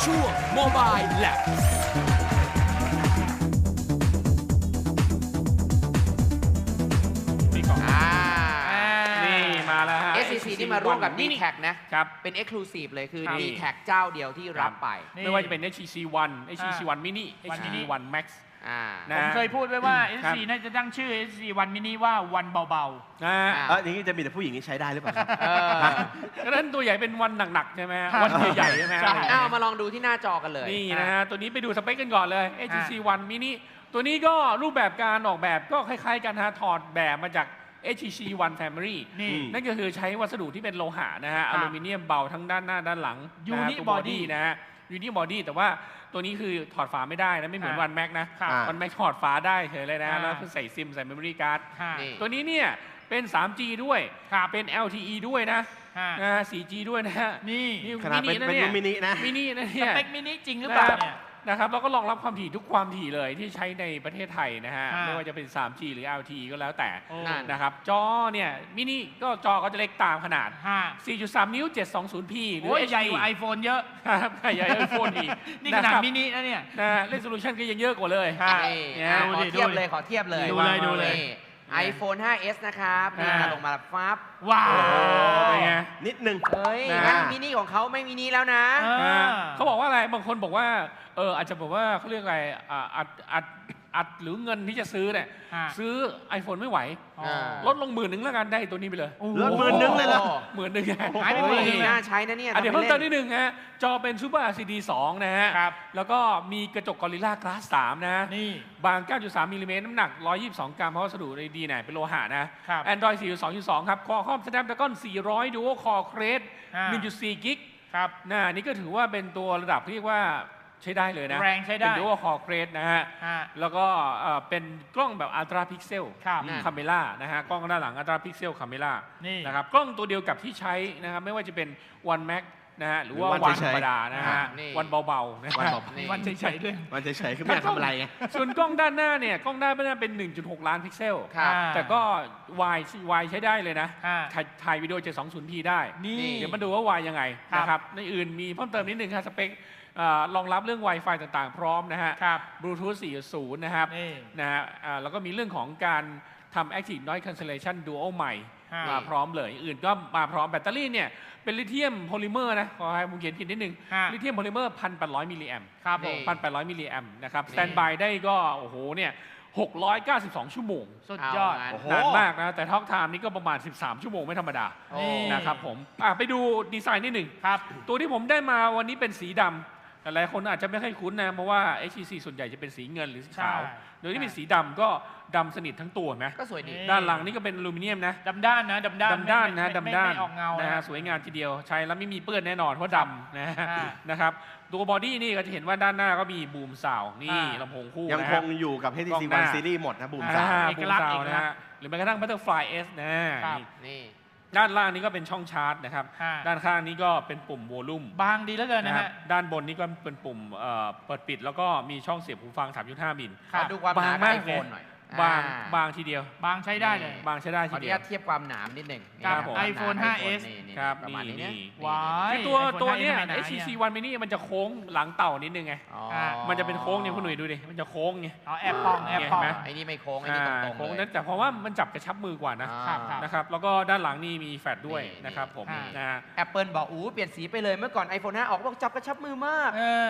ช่วง Mobile Lab นี่มาแล้วฮะ SCC ที่มาร่วมกับ D-Tag นะครับ เป็น Exclusive เลยคือครับ D-Tag เจ้าเดียวที่รับไปไม่ว่าจะเป็น HTC One HTC One Mini HTC One Max ผมเคยพูดไว้ว่า SC น่าจะตั้งชื่อ SC One Mini ว่าวันเบาอย่างนี้จะมีแต่ผู้หญิงที่ใช้ได้หรือเปล่าครับก็นั้นตัวใหญ่เป็นวันหนักๆใช่ไหมวันใหญ่ๆใช่ไหมเอามาลองดูที่หน้าจอกันเลยนี่นะฮะตัวนี้ไปดูสเปคกันก่อนเลย HTC One Mini ตัวนี้ก็รูปแบบการออกแบบก็คล้ายๆกันฮะถอดแบบมาจาก HTC One Family นี่นั่นก็คือใช้วัสดุที่เป็นโลหะนะฮะอลูมิเนียมเบาทั้งด้านหน้าด้านหลัง Unibody นะฮะ Unibody แต่ว่าตัวนี้คือถอดฝาไม่ได้นะไม่เหมือน One Max นะครับ One Max ถอดฝาได้เฉยเลยนะแล้วคือใส่ซิมใส่ memory card นี่ตัวนี้เนี่ยเป็น 3G ด้วยเป็น LTE ด้วยนะ 4G ด้วยนะฮะนี่ขนาดเป็นมินินะมินินะสเนี่ยเปคมินิจริงหรือเปล่าเนี่ยนะครับแล้วก็รองรับความถี่ทุกความถี่เลยที่ใช้ในประเทศไทยนะฮะอ่าไม่ว่าจะเป็น 3G หรือ LTE ก็แล้วแต่โอ้นะครับจอเนี่ยมินิก็จอก็จะเล็กตามขนาด 4.3 นิ้ว 720p หรือโอ้ย HD ใหญ่กว่า iPhone เยอะครับใหญ่ไอโฟนอีกนี่ขนาดมินินะเนี่ยเล่นโซลูชันก็ยังเยอะกว่าเลยนี่เนี่ยขอเทียบเลยขอเทียบเลยดูเลยนี่ iPhone 5s นะครับนี่มาลงมาฟับว้าโอ้วเป็นไงนิดนึงเฮ้ยนะงั้นมินิของเขาไม่มินิแล้วนะเขาบอกว่าอะไรบางคนบอกว่าอาจจะบอกว่าเขาเรียกอะไรอัดหรือเงินที่จะซื้อเนี่ยซื้อ iPhone ไม่ไหว ลดลง10,000แล้วกันได้ตัวนี้ไปเลยลด10,000เลยเหรอ 10,000 หายไปหมดเลยน่าใช้นะเนี่ยเดี๋ยวเพิ่มเติมนิดนึงฮะจอเป็น Super LCD 2 นะฮะครับแล้วก็มีกระจก Gorilla Glass 3 นะนี่บาง 9.3 มิลลิเมตรน้ำหนัก 122 กรัมเพราะวัสดุดีๆเป็นโลหะนะครับ Android 4.2.2 ครับ Qualcomm Snapdragon 400 Dual Core Crest 1.4 กิกครับนี่ก็ถือว่าเป็นตัวระดับเรียกว่าใช้ได้เลยนะแรงใช้ได้เป็น Dual Core Crest นะฮะ แล้วก็เป็นกล้องแบบ Ultra Pixel ครับ Camera นะฮะกล้องด้านหลัง Ultra Pixel Camera นี่นะครับกล้องตัวเดียวกับที่ใช้นะครับไม่ว่าจะเป็น One Max นะฮะหรือว่าหรือวันเฉธรยๆรมดานะฮะนี่วันเบาๆนะวันฮะเบานี่วันเฉยๆด้วยมันเฉยๆคือไม่อยากทำอะไรไงส่วนกล้องด้านหน้าเนี่ยกล้องด้านหน้าเป็น 1.6 ล้านพิกเซลครับแต่ก็ วายใช้ได้เลยนะ ถ่ายวิดีโอ 720p ได้นี่เดี๋ยวมาดูว่าวายยังไงครับนะครับในอื่นมีเพิ่มเติมนิดนึงครับสเปครองรับเรื่อง Wi-Fi ต่างๆ พร้อมนะฮะครับ Bluetooth 4.0 นะครับนี่นะฮะแล้วก็มีเรื่องของการทำ Active Noise Cancellation Dual ใหม่ฮะมาพร้อมเลยอื่นก็มาพร้อมแบตเตอรี่เนี่ยเป็นลิเธียมโพลิเมอร์นะขอให้ผมเขียนผิดนิดนึงฮะลิเธียมโพลิเมอร์ 1,800 มิลลิแอมครับผม 1,800 มิลลิแอมนะครับสแตนบายได้ก็โอ้โหเนี่ย692 ชั่วโมงสุดยอดเอางั้นโอ้โหนานมากนะ แต่ท็อกไทม์นี่ก็ประมาณ 13 ชั่วโมงไม่ธรรมดานี่นะครับผมไปดูดีไซน์นิดหนึ่งครับตัวที่ผมได้มาวันนี้เป็นสีดำแต่หลายคนอาจจะไม่ค่อยคุ้นนะเพราะว่า HTC ส่วนใหญ่จะเป็นสีเงินหรือสีขาวใช่โดยที่เป็นสีดำก็ดำสนิททั้งตัวนะก็สวยดีด้านหลังนี่ก็เป็นอลูมิเนียมนะดำด้านนะดำด้านดำด้านนะไม่ดำด้านไม่ออกเงานะนะฮะสวยงามทีเดียวใช้แล้วไม่มีเปื้อนแน่นอนเพราะดำนะฮะอ่านะครับตัวบอดี้นี่ก็จะเห็นว่าด้านหน้าก็มีบูมซาวน์นี่อ่าลำโพงคู่ยังนะคฮะงอยู่กับกล้ HTC องหน้า One Series หมดนะบูมสามเอกลักษณ์บูมซาวน์เอกลักษณ์นะฮะหรือแม้กระทั่ง Butterfly S นะครับนี่นี่ด้านล่างนี้ก็เป็นช่องชาร์จนะครับอ่าด้านข้างนี้ก็เป็นปุ่มโวลูมบางดีแล้วเกินนะนะครัฮะบด้านบนนี้ก็เป็นปุ่มเปิดปิดแล้วก็มีช่องเสียบหูฟัง 3.5 มิลครัขบอดูความหนาบางมากไอโฟนหน่อยบางอ่บางทีเดียวบางใช้ได้เลยบางใช้ได้ขอทีอนุเดียญาว ตเทียบความหนามนิดหนึ่งกับนี่ iPhone ความหนา 5s นี่ครับประมาณนี้นี่เนี่ยว้ายคือตัว iPhone ตัวเนี้ย 5 HTC One Mini มันจะโค้งหลังเต่านิดนึงไงอ๋อมันจะเป็นโค้งเนี่ยคุณหนุ่ยดูดิ มันจะโค้งไงเอาแอบปองแอบปองเห็นไหมไอ้นี่ไม่โค้งไอ้นี่ตรงๆโค้งเลนั้ยนแต่เพราะว่ามันจับกระชับมือกว่านะอ่าครับนะครับ แล้วก็ด้านหลังนี่มีแฟลชด้วยนี่นะครับผมนี่นะฮะ Apple บอกเปลี่ยนสีไปเลยเมื่อก่อน iPhone 5 ออกบอกจับกระชับมือมากเออ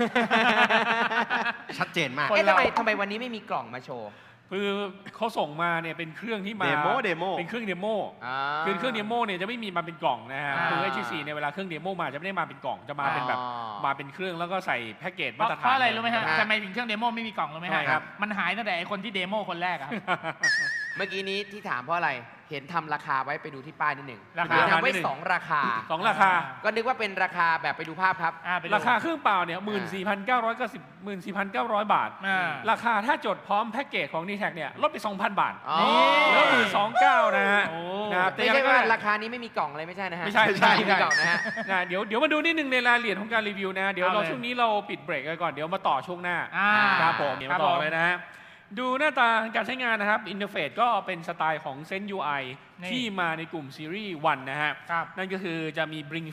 ชัดเจนมากคนทำไมวันนี้ไม่มีกล่องมาโชว์คือเขาส่งมาเนี่ยเป็นเครื่องที่มาเดโมเป็นเครื่องเดโม คือเครื่องเดโมเนี่ยจะไม่มีมาเป็นกล่องนะฮะอ่าคือ HTC เนี่ยเวลาเครื่องเดโมมาจะไม่ได้มาเป็นกล่อง จะมาเป็นแบบอ๋อมาเป็นเครื่องแล้วก็ใส่แพ็กเกจเพมาราะตรฐานเพราะอะไรรู้ไหมฮะอ่าทำไมถึงเครื่องเดโมไม่มีกล่องรู้ไหมใช่ฮะครับมันหายตั้งแต่ไอ้คนที่เดโมคนแรกอะเมื่อกี้นี้ที่ถามเพราะอะไร เห็นทำราคาไว้ไปดูที่ป้ายนิดหนึ่งราคาทำไว้2 ราคาสองราคาก็นึกว่าเป็นราคาแบบไปดูภาพครับไปดูราคาเครื่องเปล่าเนี่ย14,900 บาทอ่าราคาถ้าจดพร้อมแพ็กเกจของ D-Tag เนี่ยลดไป 2,000 บาทอ๋อแล้ว29,000นะฮะโอ้นะครับไม่ใช่ว่าราคานี้ไม่มีกล่องอะไรไม่ใช่นะฮะไม่ใช่ไม่มีกล่องนะฮะเดี๋ยวมาดูนิดนึงในรายละเอียดของการรีวิวนะ เดี๋ยวเอาเราเลยช่วงนี้เราปิดเบรกกันก่อน เดี๋ยวมาต่อช่วงหน้า ครับผมเดี๋ยวครัมาบต่อผมเลยนะฮะ ดูหน้าตาการใช้งานนะครับอินเทอร์เฟซก็เป็นสไตล์ของ Zen UI นี่ที่มาในกลุ่มซีรีส์1นะฮะครับนั่นก็คือจะมี Bring Feed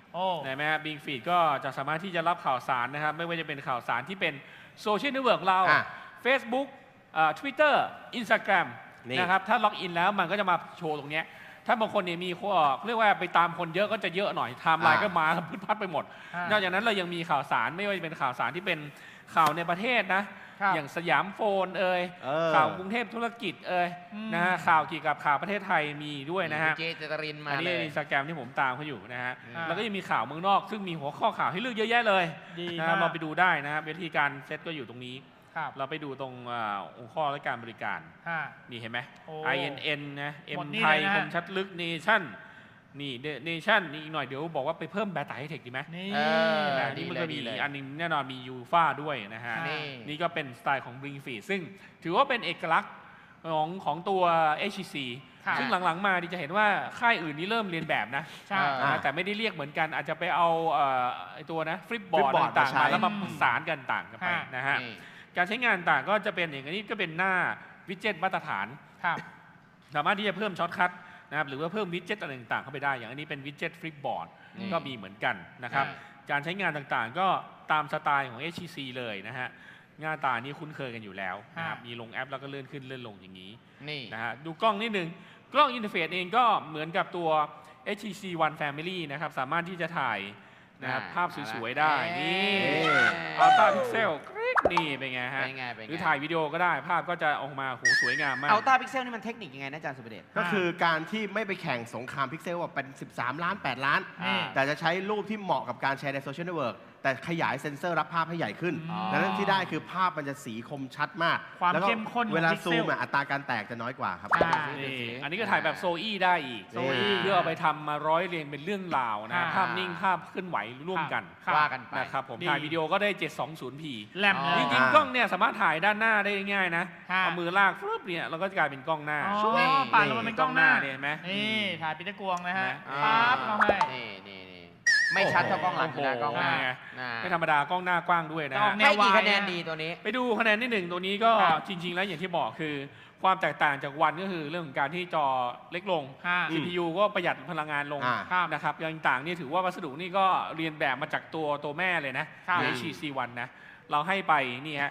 โอ้ได้ไหมฮะ Bing Feed ก็จะสามารถที่จะรับข่าวสารนะครับไม่ว่าจะเป็นข่าวสารที่เป็นโซเชียลเน็ตเวิร์กเรา Facebook Twitter Instagram นี่นะครับถ้าล็อกอินแล้วมันก็จะมาโชว์ตรงเนี้ยถ้าบางคนเนี่ยมีเรียกว่าไปตามคนเยอะก็จะเยอะหน่อยไทม์ไลน์ก็มาพึดพัดไปหมด นอกจากนั้นเรายังมีข่าวสารไม่ว่าจะเป็นข่าวสารที่เป็นข่าวในประเทศนะ อย่างสยามโฟนข่าวกรุงเทพธุรกิจนะฮะข่าวเกี่ยวกับข่าวประเทศไทยมีด้วยนะฮะเจเจตรินมาอันนี้เลยในอินสตาแกรมที่ผมตามเขาอยู่นะฮะอ่าแล้วก็ยังมีข่าวเมืองนอก ซึ่งมีหัวข้อข่าวให้เลือกเยอะแยะเลยดีนะมาฮะกเราไปดูได้นะครับวิธีการเซตก็อยู่ตรงนี้ครับเราไปดูตรงองค์ข้อและการบริการฮะนี่เห็นไหมโอ้ INN นะหม M ดนี่ไทยเลยนะคมชัดลึกเนชั่นนี่เนชั่นนี่อีกหน่อยเดี๋ยวบอกว่าไปเพิ่มแบตไตให้เทคดีไหมนี่เออนะดีนี่มันเลยก็มีดีเลยอันนึงแน่นอนมียูฟ่าด้วยนะฮะนี่นี่ก็เป็นสไตล์ของ Bring Feed ซึ่งถือว่าเป็นเอกลักษณ์ของตัว HTC ครับซึ่งหลังๆมาดิจะเห็นว่าค่ายอื่นนี่เริ่มเรียนแบบนะใช่แต่ไม่ได้เรียกเหมือนกันอาจจะไปเอาไอ้ตัวนะฟลิปบอร์ด Flipboard ต่างๆมาใช้มาแล้วมาประสานกันต่างกันไปฮะนะฮะนี่การใช้งานต่างก็จะเป็นอย่างนี้ก็เป็นหน้าวิดเจ็ตมาตรฐานครับสามารถที่จะเพิ่มช็อตคัทนะครับหรือว่าเพิ่มวิดเจ็ตอะไรต่างๆเข้าไปได้ อย่างอันนี้เป็นวิดเจ็ตฟลิปบอร์ดนี่ก็มีเหมือนกันนะครับ การใช้งานต่างๆ ก็ตามสไตล์ของ HTC เลยนะฮะหน้าตานี้คุ้นเคยกันอยู่แล้วนะครับมีลงแอปแล้วก็เลื่อนขึ้นเลื่อนลงอย่างนี้นี่นะฮะดูกล้องนิดนึงกล้องอินเทอร์เฟซเองก็เหมือนกับตัว HTC One Family นะครับสามารถที่จะถ่ายนะครับภาพสวยๆได้นี่ Ultra Pixel นี่เป็นไงฮะเป็นไงเป็นไงหรือถ่ายวิดีโอก็ได้ภาพก็จะออกมาโหสวยงามมากอัลต้าพิกเซลนี่มันเทคนิคยังไงนะอาจารย์สุประเดชก็คือการที่ไม่ไปแข่งสงครามพิกเซลว่าเป็น 13 ล้าน 8 ล้านนี่แต่จะใช้รูปที่เหมาะกับการแชร์ในโซเชียลเน็ตเวิร์กแต่ขยายเซ็นเซอร์รับภาพให้ใหญ่ขึ้นอ๋อดังนั้นที่ได้คือภาพมันจะสีคมชัดมากความแล้วก็เข้มข้นของเวลาพิกเซลซูมอัตราการแตกจะน้อยกว่าครับอ่านี่อันนี้ก็ถ่ายแบบโซอี้ได้อีกโซอี้เพื่อเอาไปทำมาร้อยเรียงเป็นเรื่องราวนะอ่าภาพนิ่งภาพเคลื่อนไหวร่วมกันครับว่ากันไปนะครับผมดีถ่ายวิดีโอก็ได้ 720p แลมอ๋อเลจยริงๆกล้องเนี่ยสามารถถ่ายด้านหน้าได้ง่ายๆนะฮะเอามือลากฟึบเนี่ยเราก็จะกลายเป็นกล้องหน้าอ๋อชุบป่านลงมาเป็นกล้องหน้าเนี่ยเห็นไหมนี่ถ่ายปีเตอร์กวงนะฮะอ่าปั๊บเราให้นี่ไม่ชัดเท่ากล้องหลังอยู่นะโอ้โหกล้องหน้าไงน่าไม่ธรรมดากล้องหน้ากว้างด้วยนะจะออฮะกให้กี่แนววายคะแนนดีตัวนี้ไปดูคะแนนที่หนึ่งตัวนี้ก็ครับจริง ๆ แล้วอย่างที่บอกคือ ความแตกต่างจากวันก็คือเรื่องของการที่จอเล็กลงฮะ CPU ก็ประหยัดพลังงานลงครับนะครับอย่างต่างนี่ถือว่าวัสดุนี่ก็เรียนแบบมาจากตัวแม่เลยนะครับ HTC One นะเราให้ไปนี่ฮะ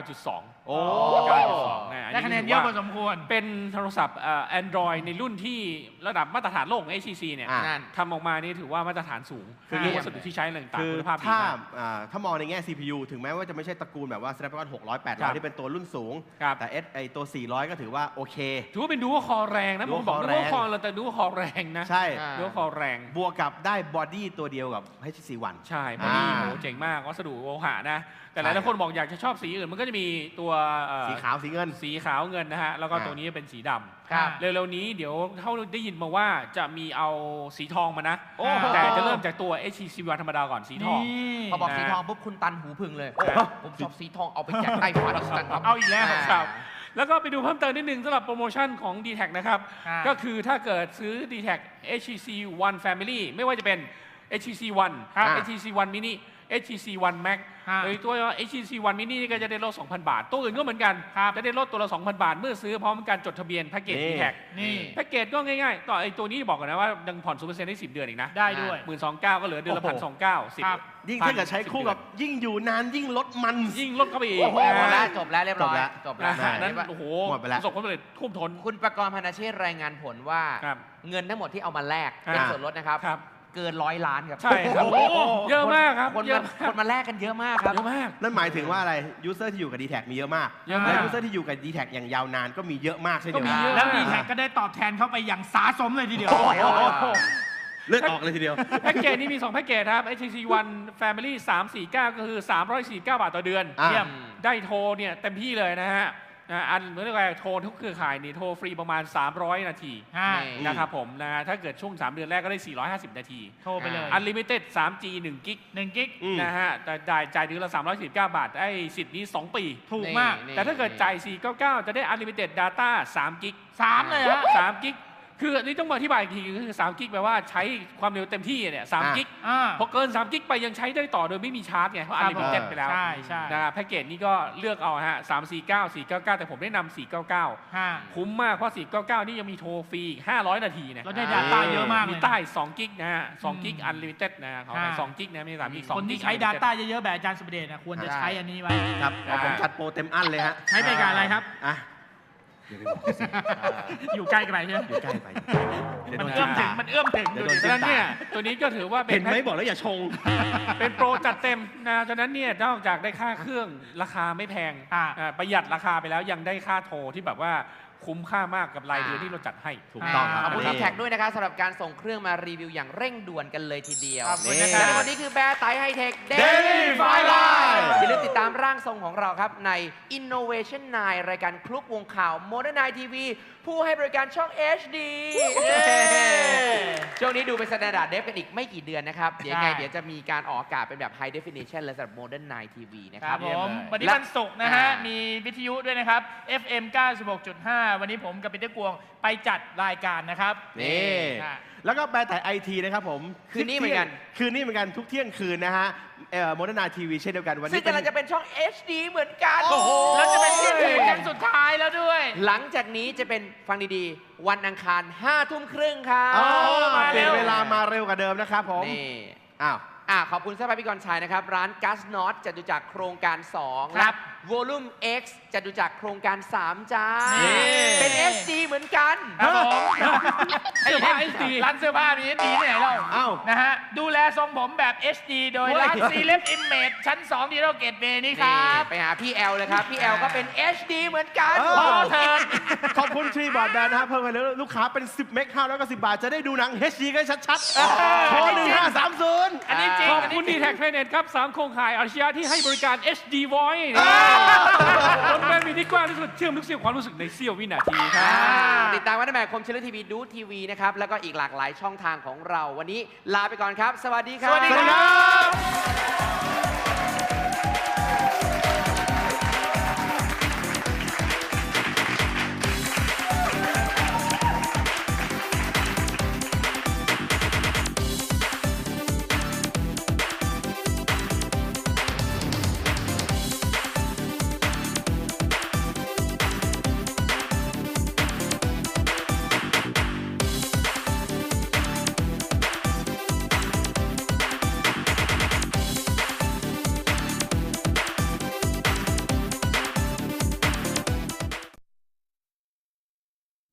9.2 โอ้ 9.2นะอัได้คะแนนเยอะพอสมควรเป็นโทรศัพท์Android ในรุ่นที่ระดับมาตรฐานโลกของ HTC เนี่ยอ่ะนั่นทำออกมานี่ถือว่ามาตรฐานสูงคือเรื่องวัสดุที่ใช้อะไรต่างคือๆคุณภาพดีถ้ามากถ้ามองในแง่ CPU ถึงแม้ว่าจะไม่ใช่ตระกูลแบบว่า Snapdragon 600 ครับ 800 ที่เป็นตัวรุ่นสูงครับแต่ไอตัว 400 ก็ถือว่าโอเคถือว่าเป็นดูว่าคอแรงนะ Dual ผมบอก Core ดูว่าแรงคอเราแต่ดูว่าคอแรงนะใช่อ่าดูว่าคอแรงบวกกับได้บอดี้ตัวเดียวกับ HTC One ใช่พอดีอ่าโหเจ๋งมากวัสดุโลหะนะ แต่หใช่ลายๆคนบอกอยากจะชอบสีอื่นมันก็จะมีตัวสีขาวสีเงินสีขาวเงินนะฮะแล้วก็อ่าตัวนี้เป็นสีดำครับเร็วๆนี้เดี๋ยวเท่าได้ยินมาว่าจะมีเอาสีทองมานะโอ้โหแต่จะเริ่มจากตัว HTC One ธรรมดาก่อนสีทองพอบอกสีทองปุ๊บคุณตันหูพึ่งเลย ผมชอบสีทองเอาไปแจกใต้ฟ้าดิฉันครับเอาอีกแล้วครับ แล้วก็ไปดูเพิ่มเติมนิดนึงสำหรับโปรโมชั่นของ d t แทนะครับอ่าก็คือถ้าเกิดซื้อ d t แท HTC One Family ไม่ว่าจะเป็น HTC One ครับ HTC One Mini HTC One Max ฮะโดยตัว HTC One Mini นี่ก็จะได้ลด 2,000 บาท ตัวอื่นก็เหมือนกันครับจะได้ลดตัวละ 2,000 บาท เมื่อซื้อพร้อมการจดทะเบียนแพ็กเกจนี่ d t แทนี่แพ็กเกจก็ง่ายๆ ต่อไอ้ตัวนี้บอกกันนะว่ายังผ่อน 0% ได้ 10 เดือนอีกนะได้ด้วย 12,900ก็เหลือเดือนละโอ้โห 1,290 ครับยิ่งถ้าเกิดใช้คู่กับยิ่งอยู่นานยิ่งลดมันยิ่งลดเข้าไปอีกโอ้โหหมดแล้วจบแล้วเรียบร้อยจจบบ แล้แล้ว วนะฮะนั้นโอ้โหหมดไปแล้วประสบความสำเร็จท่วมท้นคุณประกรณ์พนาเชษฐ์รายงานผลว่าครับเงินทั้งหมดที่เอามาแลกเป็นอ่าส่วนลดนะครับครับเกิน100 ล้านครับใช่ครับโอ้โหเยอะมากครับคนเยมาอะมากคนมาแลกกันเยอะมากครับเยอะมากนั่นหมายถึงว่าอะไรยูเซอร์ที่อยู่กับ d t แทมีเยอะมากเยอะมากและยูเซอร์ที่อยู่กับ d t แทอย่างยาวนานก็มีเยอะมากเช่นเดียวก็มีกันเยอะแล้วดีแท็กก็ได้ตอบแทนเข้าไปอย่างสาสมเลยทีเดียวโอ้โหเลือดออกเลยทีเดียวแพ็กเกจนี้มี 2 แพ็กเกจครับ HTC One Family 349 ก็คือ 349 บาทต่อเดือนอ่าเยี่ยมได้โทรเนี่ยเต็มที่เลยนะฮะอันเหมือนกับโทรทุกเครือข่ายนี่โทรฟรีประมาณ 300 นาทีฮะนี่นะครับผมนะฮะถ้าเกิดช่วง 3 เดือนแรกก็ได้ 450 นาทีโทรไปเลย Unlimited 3G 1 กิก 1 กิกอืมนะฮะแต่จ่ายเดือนละ 319 บาทได้สิทธิ์นี้ 2 ปีถูกมากนี่แต่ถ้าเกิดจ่าย 499 จะได้ Unlimited Data 3 กิก 3 เลยฮะ 3 กิกคืออันนี้ต้องมาอธิบายอีกทีคือ3กิกแปลว่าใช้ความเร็วเต็มที่เนี่ย3กิก พอเกิน3กิกไปยังใช้ได้ต่อโดยไม่มีชาร์จไงเพราะอันลิมิเต็ดไปแล้วใช่ใช่นะแพ็กเกจนี้ก็เลือกเอาฮะ349 499แต่ผมแนะนำ499คุ้มมากเพราะ499นี่ยังมีโทรฟรีอีก500 นาทีนะเราได้ Data เยอะมากเลยมีใต้2กิกนะฮะ2กิกอันลิมิเต็ดนะเขาไป2กิกนะไม่ใช่3กิก2 คนที่กิกใช้ Data เยอะๆแบบอาจารย์สุประเดชนะควรจะใช้อันนี้ไว้ครับเอาผมจัดโปรเต็มอันเลยฮะใช้บริการอะไรครับอ่ะอย่าไปบอกสิอยู่ใกล้กันไปใช่ไหมอยู่ใกล้ไปเดี๋ยวมันโดเอื้อมถึงด่ามันเอื้อมถึงเดี๋ยวดูโดนดิฉะนั้นเนี่ยตัวนี้ก็ถือว่าเป็เห็นนไหมบอกแล้วอย่าชงเป็นโปรจัดเต็มนะฉะนั้นเนี่ยนอกจากได้ค่าเครื่องราคาไม่แพงประหยัดราคาไปแล้วยังได้ค่าโทรที่แบบว่าคุ้มค่ามากกับรายเดือนที่เราจัดให้ถูกต้องครับขอบคุณนี่อีแท็กด้วยนะครับสำหรับการส่งเครื่องมารีวิวอย่างเร่งด่วนกันเลยทีเดียวขอบคุณนี่นะคและรับวันนี้คือแบร์ไตไฮเทค Daily Fireline อย่าลืมติดตามร่างทรงของเราครับใน Innovation 9 รายการคลุกวงข่าว Modern Night TV ผู้ให้บริการช่อง HD ช่วงนี้ดูเป็น Standard Def กันอีกไม่กี่เดือนนะครับ เดี๋ยวยังไงเดี๋ยวจะมีการออกอากาศเป็นแบบ High Definition และสำหรับ Modern Night TV นะคครัรับบผมวันนี้วันศุกร์นะฮะ มีวิทยุด้วยนะครับ FM 96.5 วันนี้ผมกับปีเตอร์กวงไปจัดรายการนะครับนี่อ่ะแล้วก็แบรนด์ไทยไอทีนะครับผมคืนนี้เหมือนกันคืนนี้เหมือนกันทุกเที่ยงคืนนะฮะโมเดิร์นไนท์ทีวีเช่นเดียวกันวันซึ่นี้งกำลังจะเป็นช่อง HD เหมือนกันโอ้โหแล้วจะเป็นเที่ยงคืนครั้งสุดท้ายแล้วด้วยหลังจากนี้จะเป็นฟังดีๆ วันอังคาร 5 ทุ่มครึ่งครับอ๋อมาเปเร็ลี่ยนวเวลามาเร็วกว่าเดิมนะครับผมนี่อ้าวขอบคุณสภาพพิกรชัยนะครับ ร้านกัสนอตจตุจักรโครงการ 2 ครับวอลุ่ม X จตุจักรโครงการ 3 จ้านี่เป็น HD เหมือนกันครับผมเสื้อผ้า HD ร้านเสื้อผ้ามี HD ที่ไหนเล่าอ้าวนะฮะ ดูแลทรงผมแบบ HD โดยร้านเฮ้ยซีเล็บอิมเมจชั้น 2 ดีโรเกตเวย์นี่ครับไปหาพี่แอลเลยครับ พี่แอลก็เป็น HD เหมือนกันเออพอเถิดขอบคุณทรีบอร์ดแบนด์นะครับเพิ่มไปแล้วลูกค้าเป็น 10 เมก510 บาท จะได้ดูหนัง HD กันชัดๆโทร1530 อันนี้จริงขอบอันคุนี้ณจริดีงแท็กเทรนเน็ตครับ3โครงข่ายอาชีพที่ให้บริการ HD Voice รถแบนมีที่กว้างที่สุดเชื่อมทุกเสียงความรู้สึกในเสี้ยววินาทีครับติดตามวันแม่คมเชลทีวีดูทีวีนะครับ แล้วก็อีกหลากหลายช่องทางของเรา วันนี้ลาไปก่อนครับ สวัสดีครับสวัสดีครับ